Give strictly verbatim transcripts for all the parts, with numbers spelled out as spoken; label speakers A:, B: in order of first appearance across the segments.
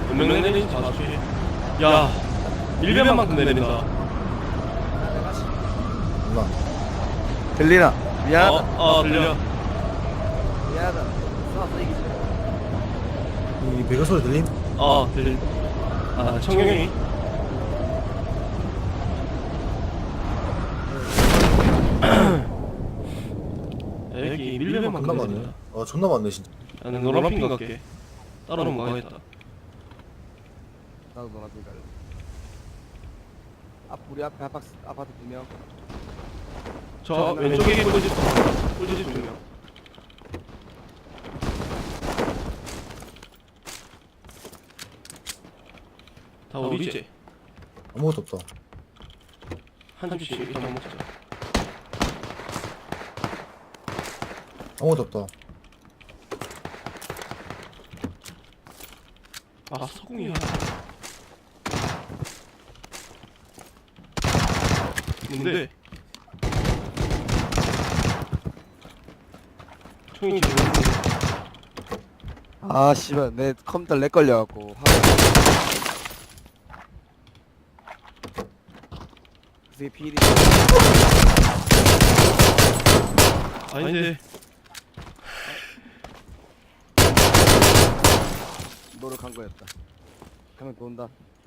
A: 몇명 내리는지 봐주지. 야, 밀배만큼 내린다.
B: 몰라. 들리나? 미안하다.
A: 어, 어, 들려.
B: 미안하다. 싸워서 이기지. 이 배가 소리 들림?
A: 어, 들려. 아, 청경이. 여기 밀배만큼
B: 존나 많네.
A: 내린다.
B: 아 존나 많네 진짜.
A: 나는 노란핑 갈게. 따로는 못 가겠다.
C: 나도 노란빛 갈래. 앞 우리 앞에 아파트 아파트 두 명.
A: 저 왼쪽에 꿀집 꿀집 두 명. 다 우리지.
B: 아무것도 없다.
A: 한 집씩 일단 먹자.
B: 아무것도 없다.
A: 아, 서궁이야. 뭔데? 총이 지금
C: 아 씨발 내 컴퓨터 렉 걸려갖고. 그게 필이.
A: 아닌데.
C: 너를 간 거였다. 가면 돈다.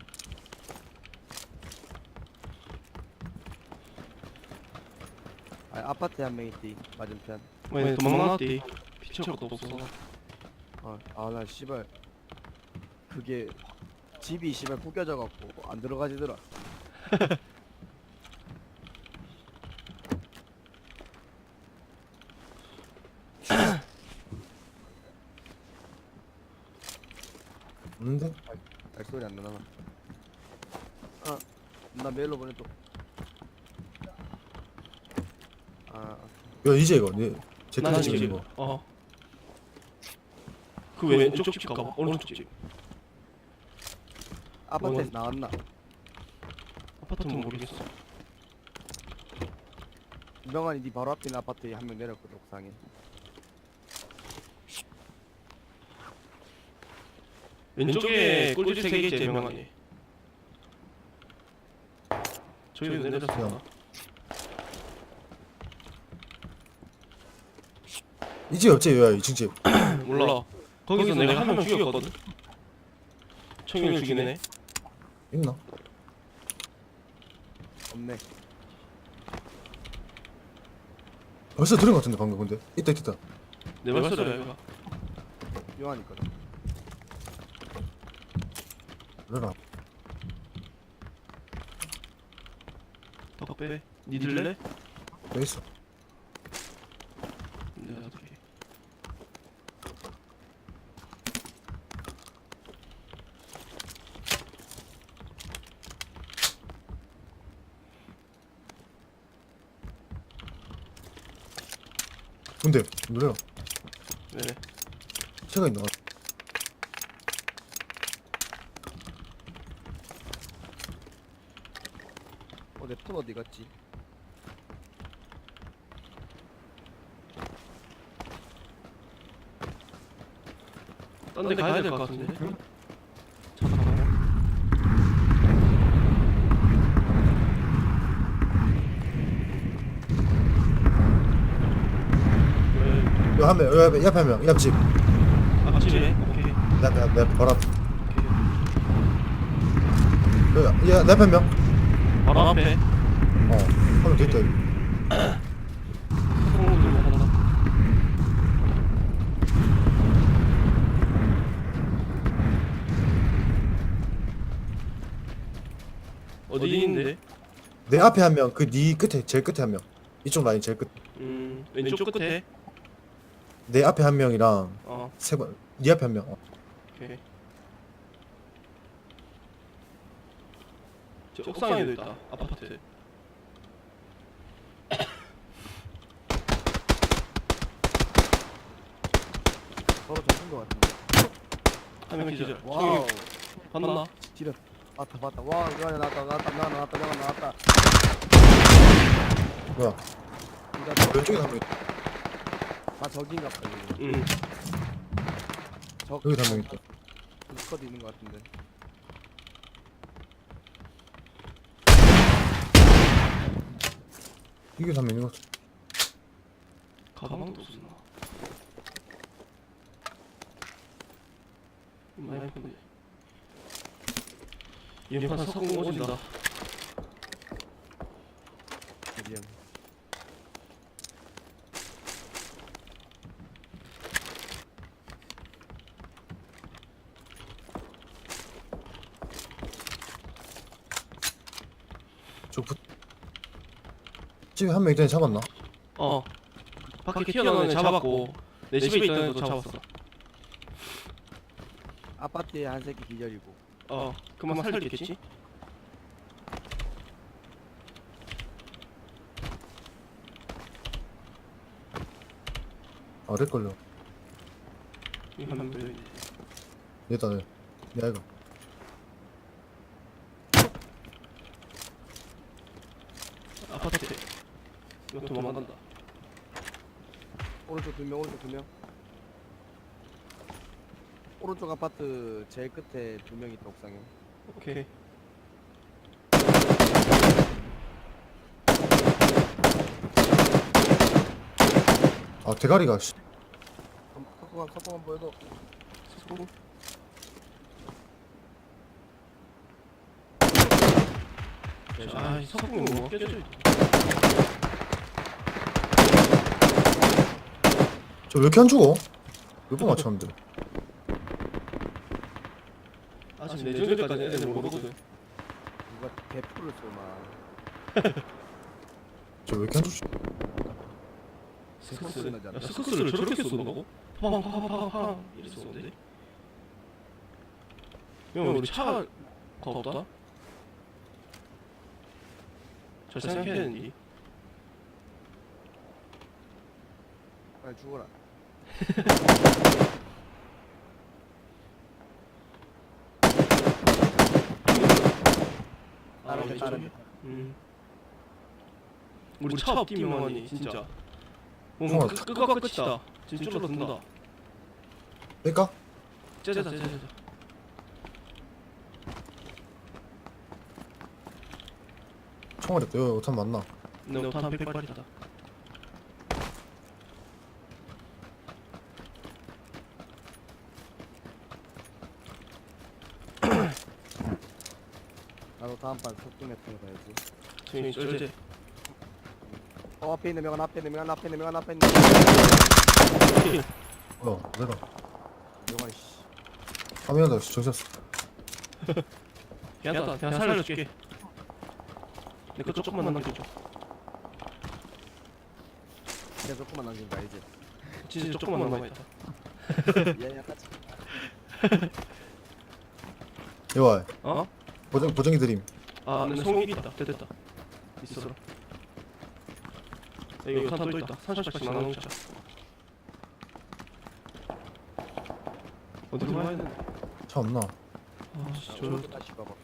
C: 아 아파트에 한 명 있디 맞은편.
A: 왜 도망나왔디? 피치할 것도 없어.
C: 아나 씨발 그게 집이 씨발 구겨져 갖고 안 들어가지더라.
B: 없는데?
C: 발소리 안 나나? 아, 나 메일로 보내줘. 아,
B: 야 이제 이거 내
A: 나는
B: 제트
A: 지금
B: 찍은 거.
A: 어. 그 왼쪽 집 가봐. 오른쪽 집.
C: 아파트에서 나왔나?
A: 아파트는 모르겠어.
C: 명환이 네 바로 앞에 있는 아파트에 한 명 내렸거든 옥상에.
A: 왼쪽에 꿀집 세 개 있지 명환이. 저기도 내렸어.
B: 이제 없지 야 이 층 집.
A: 몰라. 거기서 내가 한 명 죽였거든. 청일 죽이네.
B: 있나?
C: 없네.
B: 벌써 들은 거 같은데 방금 근데. 있다 있다. 있다.
A: 내 발소리야 이거.
C: 명환이 있거든.
B: 그래라.
A: 더 빼. 니 들래?
B: 왜 있어?
A: 내가 어떻게?
B: 근데 노래야.
A: 네.
B: 새가 있나?
C: 어, 내 폰 어디 갔지?
A: 딴 데 가야 될 것 같은데. 잠깐만.
B: 여 한 명, 여 앞에 옆에 한 명, 옆집.
A: 앞집에. 오케이.
B: 내 앞에 내 앞에 바로 앞.
A: 오케이.
B: 야, 야, 내 앞에 한 명.
A: 바로 앞에.
B: 어, 한명 더 있다 여기.
A: 손으로 들고 간다. 어디 있는데?
B: 내 앞에 한 명, 그 네 끝에 제일 끝에 한 명. 이쪽 라인 제일 끝.
A: 음, 왼쪽 끝에.
B: 내 앞에 한 명이랑
A: 어,
B: 세 번. 네 앞에 한 명. 어.
A: 오케이. 저 옥상에도 있다. 아파트.
C: 서로 잡은 거 같은데.
A: 한 명 기절.
C: 와우.
A: 봤나?
C: 지렸. 봤다 봤다. 와, 명환이 나왔다 나왔다 명환 나왔다 명환 나왔다.
B: 뭐야?
C: 니가
B: 왼쪽에 한 명. 있다.
C: 아 저긴가 보다.
A: 응.
C: 적.
B: 여기 한 명 있다.
C: 스쿼드 있는 것 같은데.
B: 이게 한 명인 것 같아.
A: 가방도 없었나? 많이 폰데. 이판 석궁 오진다.
C: 미안.
B: 저 부... 집에 한 명 있더니 잡았나?
A: 어. 밖에 튀어나오는 애 잡았고 내 집에 있던 애도 잡았어.
C: 아파트에 한 새끼 기절이고.
A: 어. 그만 살리겠지?
B: 아 렉걸려.
A: 이한명 더 있네.
B: 얘다 얘. 얘 아이가.
A: 아파트. 이거 도망간다.
C: 오른쪽 두 명, 오른쪽 두 명. 오른쪽 아파트 제일 끝에 두 명 있다 옥상에.
A: 오케이.
B: 아 대가리가 씨.
C: 석궁한 석궁한 보여도.
A: 석궁. 아, 석궁이 뭐 껴져 있어.
B: 저 왜 이렇게 안 죽어? 몇 번 맞췄는데.
A: 아직 내전까지 애들 모르거든.
C: 누가 대포를 쏘나.
B: 저 왜 이렇게 안 죽지?
A: 스커스. 야, 스커스를 저렇게 쏜다고? 팡팡팡팡팡 이렇게 쏘는데? 형 우리 차가 없다? 잘 생각해야 되는데.
C: 빨리 죽어라.
A: 아,
C: 다른 데,
A: 여기
C: 다른
A: 저기.
C: 데.
A: 음. 우리 차 없기만하니 진짜. 뭔가
B: 어.
A: 끝- 끝과 끝이다. 진짜 줄어든다.
B: 뺄까?
A: 째자 째자.
B: 총알이 없다. 여기 오탄 맞나?
A: 내 오탄 백발이다.
C: 나도 다음 판 석궁 같은 거 가야지.
A: 저기 쩔제.
C: 어 앞에 있는 명은 앞에 있는 명은 앞에 있는 명은 앞에 있는 명.
B: 어 내가.
C: 명환 씨.
B: 화면에다 정셨어.
A: 괜찮다. 그냥 살려줄게. 내 거 조금만 남겨줘.
C: 계속 석궁만 남긴다 이제.
A: 진짜 조금만 남아있다.
C: 얘 약간
B: 여와
A: 어?
B: 보정 보정이 드림.
A: 아, 내 송이 있다. 됐다. 있어라. 여기 오탄 또 있다. 삼십 발씩 나눠 먹자. 어디로 가야 되는데?
B: 차 없나?
A: 아, 씨, 저
C: 오른쪽 다시 봐봐.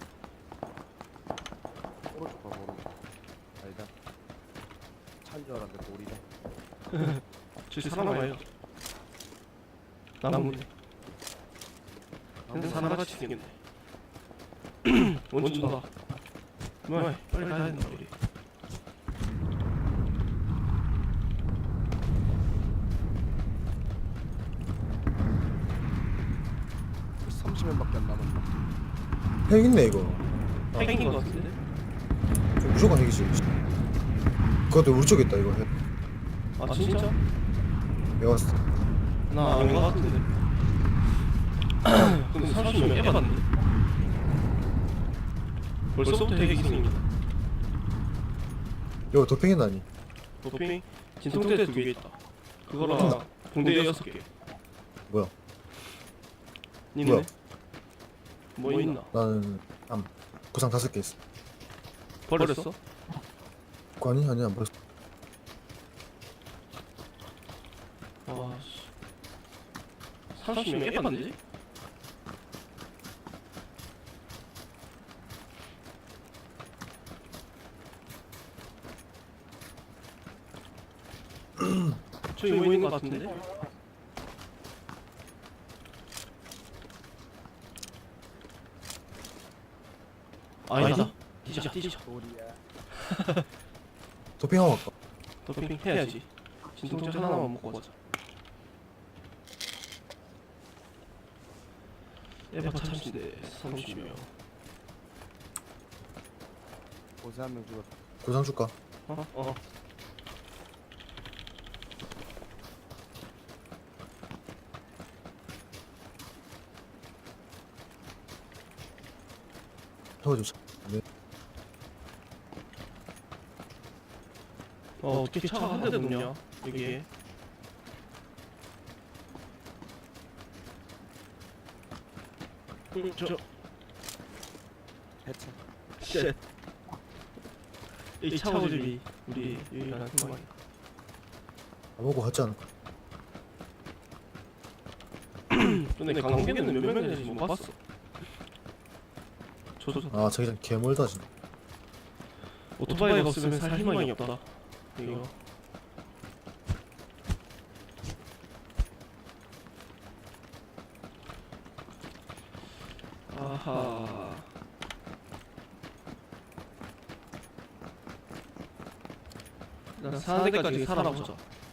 C: 오른쪽 봐봐 오른쪽. 아니다. 차인 줄 알았는데 돌이다.
A: 저기 사람 아니야? 나무네. 근데 사람같이 생겼네. 원준다. 뭐야? 빨리 가야 된다 우리.
C: 삼십 명밖에 안 남았나.
B: 핵 있네 이거.
A: 핵인 것 같은데?
B: 저 무조건 핵이지. 그것도 우리 쪽에 있다 이거 핵.
A: 아 진짜?
B: 내가 봤을 때.
A: 나 아닌 것 같은데. 근데 삼십 명 해봤는데. 벌써부터 핵이 생긴다.
B: 이거 도핑이 나니?
A: 도핑? 진통제 두 개 있다. 그거랑 붕대 여섯 개.
B: 뭐야?
A: 니네?
B: 뭐야?
A: 뭐 있나?
B: 나는 암 구상 다섯 개 있어.
A: 버렸어?
B: 그거 아니? 아니 안 버렸어.
A: 와 씨. 삼십 명 해봤는데? 저기 뭐 있는 것 같은데? 아니다. 뛰자 뛰자.
C: 소리야.
B: 도핑하고 갈까?
A: 도핑 해야지. 진통제 하나만 먹고 가자. 에바 참신데 삼십 명.
C: 고세 한 명 죽었다.
B: 구상 줄까?
A: 어? 어.
B: 태워주자. 네.
A: 어 어떻게 차가 한 대도 없냐 여기에. 음, 저
C: 해체.
A: 쉣. 이 차고집이 우리 유일한 희망이야.
B: 안 먹고 갔지 않을까?
A: 근데 강북에는 몇 명 되는지 못 봤어. 저저
B: 아 자기장 개멀다 진짜.
A: 오토바이가 없으면 살 희망이 없다. 이거. 아하. 나 사는 데까지 살아보자.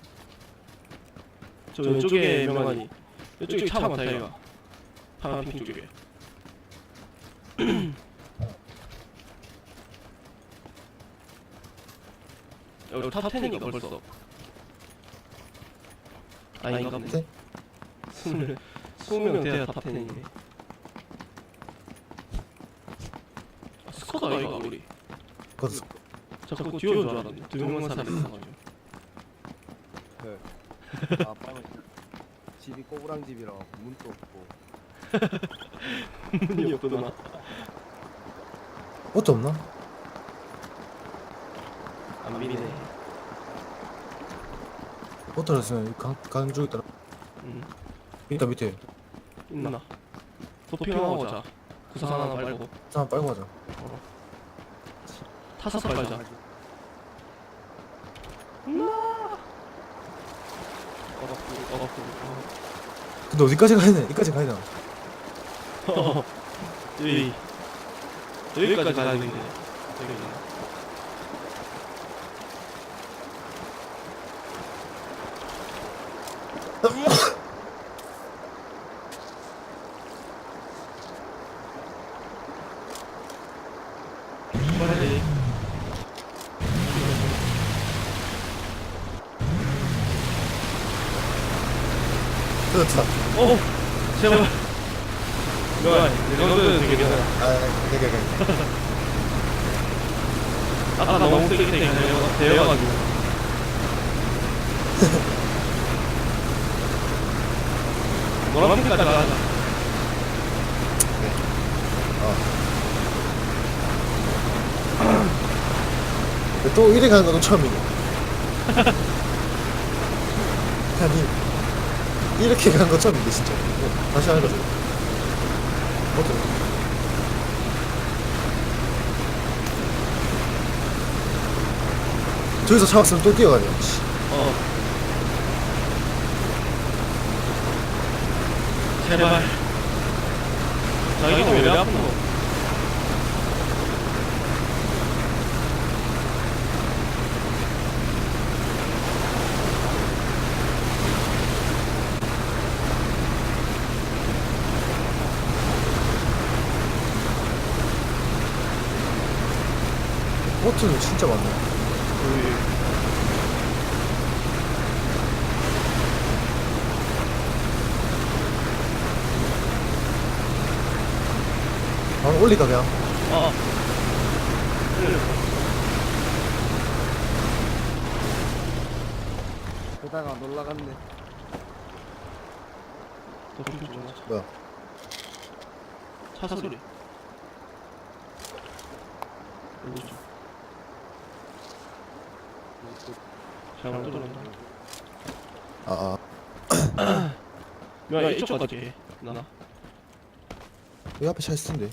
A: 저 왼쪽에 명환이. 이쪽에 차 많다 이가. 파란핑 쪽에. 여기 탑텐이가 벌써. 아닌가 보네.
B: 네?
A: 스물 스무 명 돼야 탑텐이네. 아, 스쿼드가 이거 우리.
B: 거기서
A: 자꾸 뒤온 줄 알았네. 두 명만 살아있어가지고.
C: 그. 아빠는 집이 꼬부랑 집이라 문도 없고.
A: 문이 없구나.
B: 옷도 없나?
A: 안 미네.
B: 옷도 없으면 강 강쪽 있더라.
A: 응.
B: 있다 밑에.
A: 있나? 도핑하고 오자. 구상 하나 빨고.
B: 자 빨고 가자.
A: 타서 빨자. 어갑고 어갑고.
B: 근데 어디까지 가야 돼? 여기까지 가야 되나?
A: 여기 여기까지 가야 되겠네. 여기. 빨리.
B: 됐다.
A: 어, 제발. 뭐야? 이거는 되게 괜찮아.
B: 아, 되게 되게.
A: 아까 너무 세게 되게 되어가지고. 노란빛까지 가자.
B: 근데 또 이래 가는 건 처음이네. 아니 이렇게 가는 건 처음인데 진짜. 어, 다시 하는 거지. 어때? 저기서 잡았으면 또 뛰어가냐. 씨.
A: 어. 제발. 자기가 왜 아프노?
B: 보트는 진짜 많네. 바로 올릴까 그냥?
A: 어.
C: 게다가 놀라갔네.
B: 뭐야?
A: 차 소리. 잘못 들었나?
B: 아, 아.
A: 야, 이쪽 가게. 나.
B: 여기 앞에 차 있을 텐데.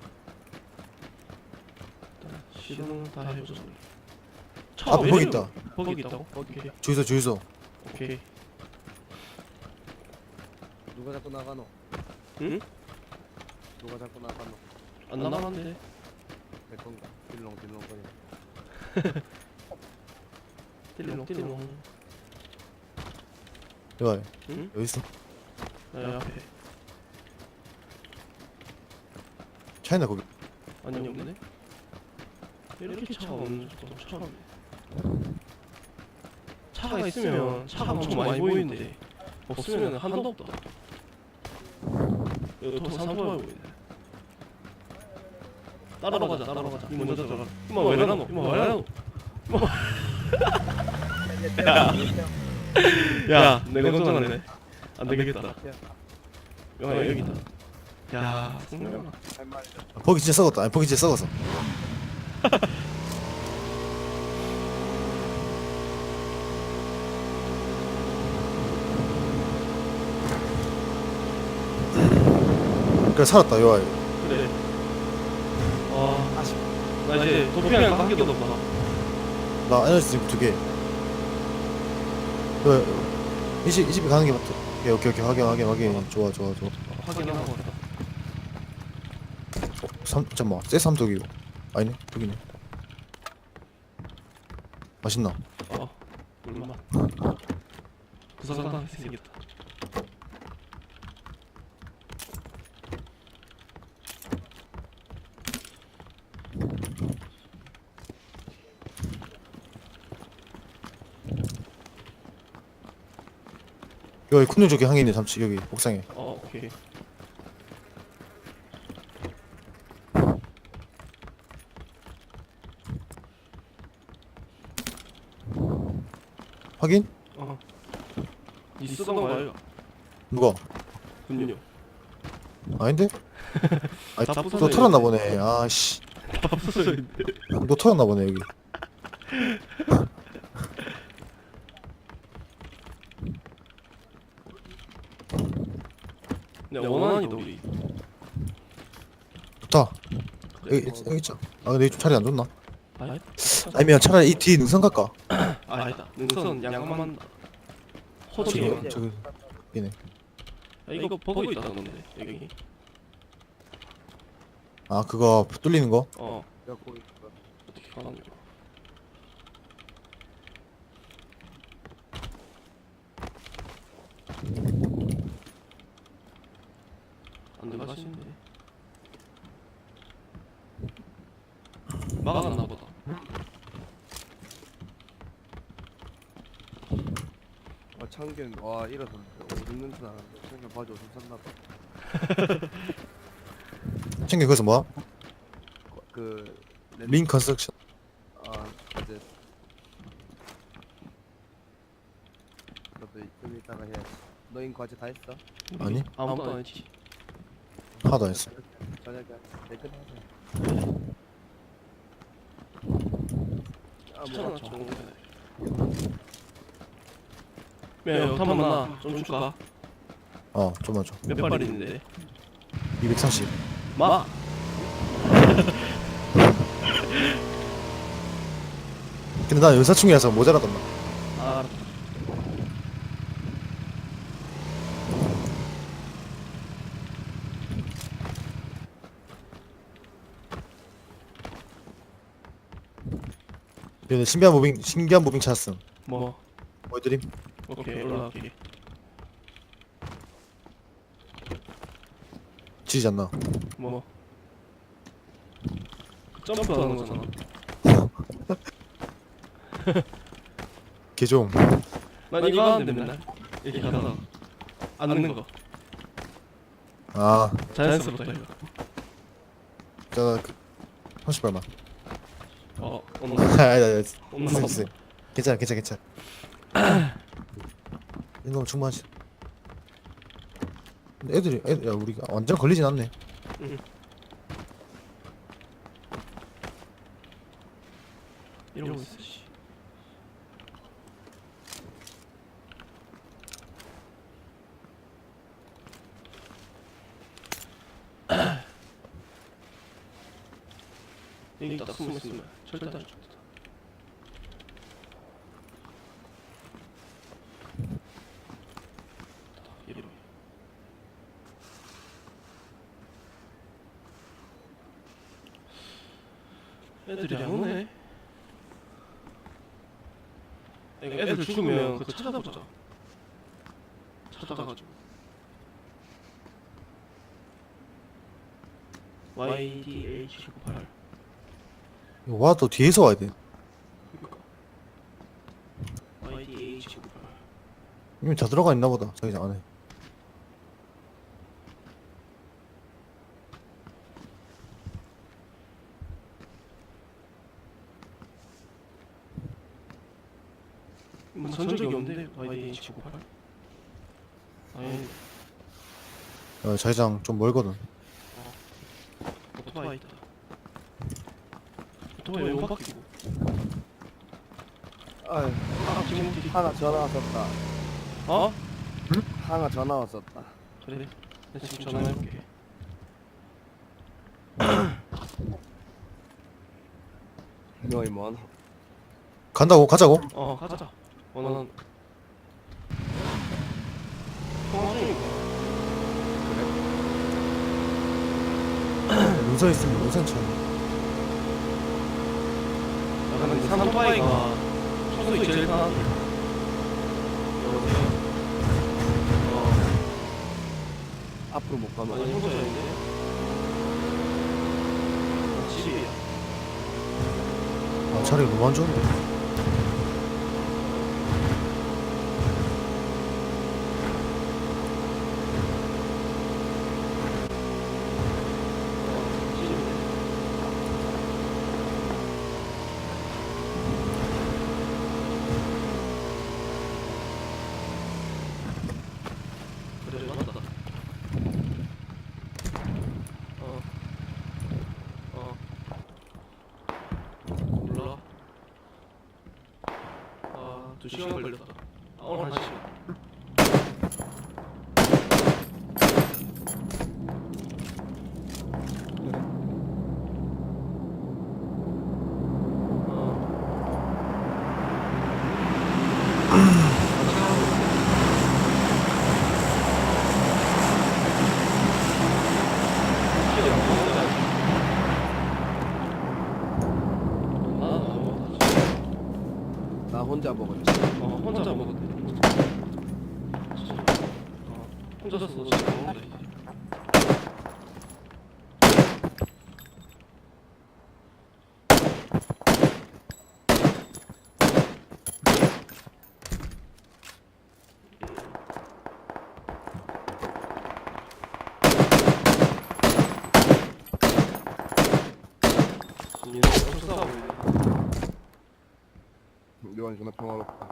A: 시동 다 해줘.
B: 아, 거기 있다.
A: 거기 있다고? 오케이.
B: 주유소, 주유소.
A: 오케이.
C: 누가 자꾸 나가노?
A: 응?
C: 누가 자꾸 나가노?
A: 안 나가는데.
C: 내 건가? 딜롱 딜롱 거리.
A: 띠롱 띠롱.
B: 여기
A: 응?
B: 여기 있어.
A: 야 앞에.
B: 차이나 거기.
A: 아니 없네. 이렇게 차가 없는 것도 처음. 차가 있으면 차가 엄청 많이 보이는데 없으면 한도 없다. 여기 더 삼소해 보이네. 따라가자 따라가자. 이 먼저 들어가. 이마 왜 나노? 이마 왜 나노? 야, 내가 걱정하네. 안 되겠다. 영아 여기 있다. 야, 승명아.
C: 할 말이
B: 아, 버기 진짜 썩었다. 아니 버기 진짜 썩었어. 그래 살았다 요아.
A: 그래. 아, 아쉽. 나 이제 도피한 거한 개도 없다.
B: 나 에너지 드링크 두 개. 그, 이 집, 이 집에 가는 게 맞다. 오케이, 오케이, 오케이. 확인, 확인, 확인. 좋아, 좋아, 좋아.
A: 확인하고 왔다.
B: 어, 삼, 잠깐만. 쎄 삼독이고. 아니네, 여기네. 맛있나?
A: 어, 얼마? 부사관당 생겼다.
B: 여기 쿤누 저기 항해 있네, 삼치. 여기, 옥상에.
A: 어, 오케이.
B: 확인?
A: 어. 니 쓰던 거 아이가?
B: 누가?
A: 군요.
B: 아닌데? 아니,
A: 다
B: 너
A: 부서져
B: 털었나
A: 있네.
B: 보네. 아씨.
A: 다 부서져 있네.
B: 너 털었나 보네, 여기.
A: 야, 원한이다 우리.
B: 좋다. 여기, 여기 있죠. 아, 근데 이좀 자리 안 좋나?
A: 아니?
B: 아니면 차라리 이 뒤에 능선 갈까?
A: 아, 아니다. 능선 양만 호적이.
B: 저기, 저기, 여기네.
A: 야, 이거 버그 있다던데 여기.
B: 아, 그거 뚫리는 거?
A: 어,
C: 내가 거기 있어.
A: 어떻게 가는 거? 안 들어가시는데. 막았나 보다.
C: 아 창균 와 이래서 오줌 냄새 나는데 창균 바지 오줌 쌌나 봐.
B: 챙겨, 그래서 뭐야?
C: 그
B: 링 컨스트럭션.
C: 아 이제 너도 좀 이따가 해야지. 너인 과제 다 했어?
B: 아니?
A: 아무도 안 했지.
B: 하나도 안 했어.
C: 저녁에 내끝하자. 아
A: 추천하
C: 뭐
A: 좋은 거네. 야, 한번 만나. 좀 줄까?
B: 어, 좀만 줘.
A: 몇 발 있는데?
B: 이백삼십.
A: 마.
B: 근데 나 연사충이라서 모자라던나.
A: 아, 알았다.
B: 얘네 신기한 무빙, 신기한 무빙 찾았음.
A: 뭐?
B: 뭐 해드림?
A: 오케이, 올라갈게.
B: 지지 않나?
A: 뭐? 점프하는 거잖아.
B: 개좀.
A: 난 이거 하는데 맨날 이렇게 가다가 앉는 거.
B: 아,
A: 자연스럽다 이거.
B: 자, 그, 삼십 발만.
A: 어,
B: 아니,
A: 엄마.
B: 아니, 아니.
A: 엄마.
B: 있어, 있어. 괜찮아, 괜찮아, 괜찮아. 이 정도면 충분하지. 근데 애들이, 애들, 야, 우리가 완전 걸리진 않네.
A: 응. 이러고 있어. 씨. 여기 딱 숨어 있으면 절대 안 죽다. 이리로. 애들이 안 오네. 이거 애들 죽으면 그거 찾아보자. 찾아가지고 와이디에이치 구십팔.
B: 이거 와도 뒤에서 와야 돼.
A: 그니까 와이디에이치 구십팔.
B: 이미 다 들어가 있나 보다 자기장 안에.
A: 뭐 전적이 없는데 와이디에이치 구십팔? 아니
B: 어, 자기장 좀 멀거든.
A: 오토바이 있다. 오토바이 용 바뀌고.
C: 아유,
A: 아 지금 뒤.
C: 하나 전화 왔었다.
A: 어?
C: 하나 전화 왔었다.
A: 그래. 내가 지금 전화해볼게.
C: 너희 뭐하노?
B: 간다고? 가자고?
A: 어 가자. 원하는. 통화 중이고.
B: 눈서 있으면 우선 쳐.
A: 나는 산토바이가 청소이 제일 편한데. 여보세요. 어.
C: 앞으로 못 가면
A: 아니 청소였는데. 집이야.
B: 아, 자리가 너무 안 좋은데.
A: 그래 맞다. 어. 어. 몰라. 아, 두 시간 걸렸다. 아, 오늘 한 시간.
C: 나 혼자 먹었지.
A: 어, 혼자 먹었대. 어, 혼자서 지금 먹는다 이제. 얘네 엄청 싸우고 있네.
C: 요한 존나 평화롭다.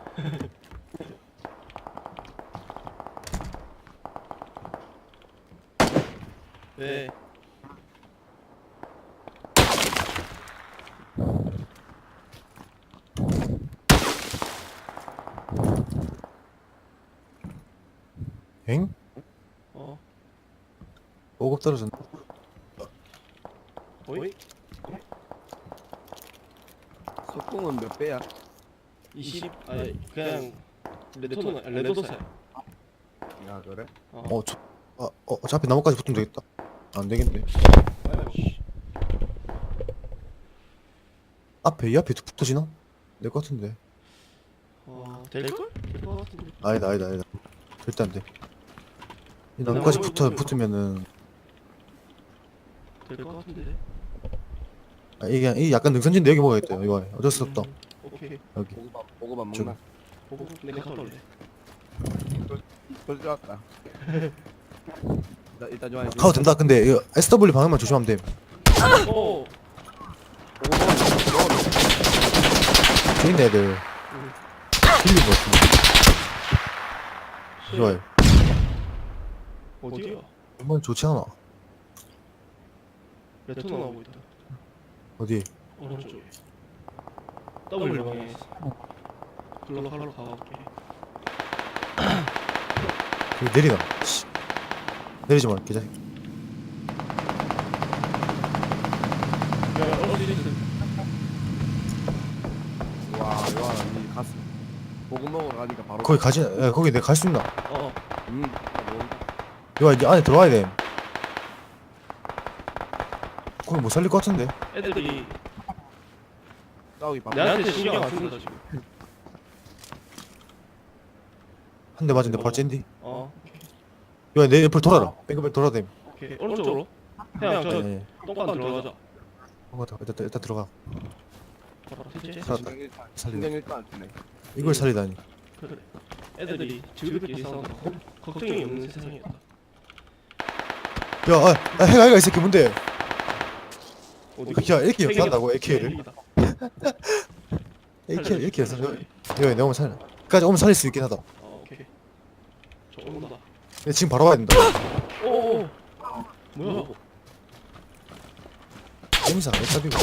A: 네.
B: 엥?
A: 어.
B: 보급 떨어졌네.
A: 어이?
C: 속공은 몇 배야?
A: 이십. 아니 그냥 레토나 레도사.
C: 야 그래?
A: 어.
B: 어, 저, 아, 어, 어차피 나무까지 붙으면 되겠다. 안 되겠네.
A: 아이씨.
B: 앞에, 이 앞에 붙어지나? 될 것 같은데.
A: 어, 될걸? 될것 같은데.
B: 아니다, 아니다, 아니다. 절대 안 돼. 이 나무까지 붙어, 붙으면은,
A: 될것 같은데.
B: 아, 이게, 이 약간 능선진데 여기 먹어야겠다. 이거 어쩔 수 없다.
A: 음, 오케이.
B: 여기.
C: 보고만 보고만
B: 저기.
C: 먹나?
A: 보고 내가 갔다 올래.
C: 벌써 왔다. 나 일단 좋아해.
B: 가도 된다. 근데 이거 에스더블유 방향만 조심하면 돼.
A: 오.
B: 뒤에 있는 애들. 틀린 것 같은데. 좋아요.
A: 어디야?
B: 정말 좋지 않아.
A: 레토나 오고 있다.
B: 어디?
A: 오른쪽에. W 방에 있어. 글로 하러 가볼게.
B: 여기 내리나? 씨. 내리지 마, 개자식.
A: 야, 어디 있어?
C: 와 요한아 니 갔어. 보고 먹으러 가니까 바로.
B: 거기 가지, 야, 거기 내가 갈 수 있나?
A: 어.
C: 음. 모른다.
B: 이거 이제 안에 들어와야 돼. 거기 못 살릴 것 같은데.
A: 애들이
C: 싸우기 바.
A: 내한테 신경 안 쓴다 지금.
B: 한 대 맞은데 바로 찐디.
A: 어.
B: 야, 내 옆으로 돌아라. 뱅글뱅글 돌아야 돼.
A: 오케이. 오른쪽으로. 그냥 저
B: 네.
A: 똥간 들어가자.
B: 어, 일단 일단 들어가.
A: 바로 셋째.
B: 살았다.
C: 신경 일단
B: 살리다.
C: 신경 일단 안 쓰네.
B: 이걸 살리다니.
A: 그래. 애들이 즐겁게 싸운다. 걱- 걱정이 없는 세상이었다.
B: 야, 아, 아 해가 해가 이 새끼 뭔데?
A: 어디?
B: 야, 이렇게
A: 핵이다.
B: 한다고 에이케이를?
A: 핵이다.
B: 에이케이 이렇게 해서 여, 여, 내가 오면 살려. 까지 오면 살릴 수 있긴 하다.
A: 어, 오케이. 저 온다.
B: 근데 지금 바로 와야 된다.
A: 오. 뭐야?
B: 엠사, 엠사비고.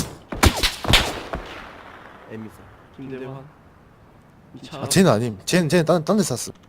C: 에미사.
A: 김대환. 이 차.
B: 아, 쟤는 아님. 쟤는 쟤는 딴 딴 데 쐈어.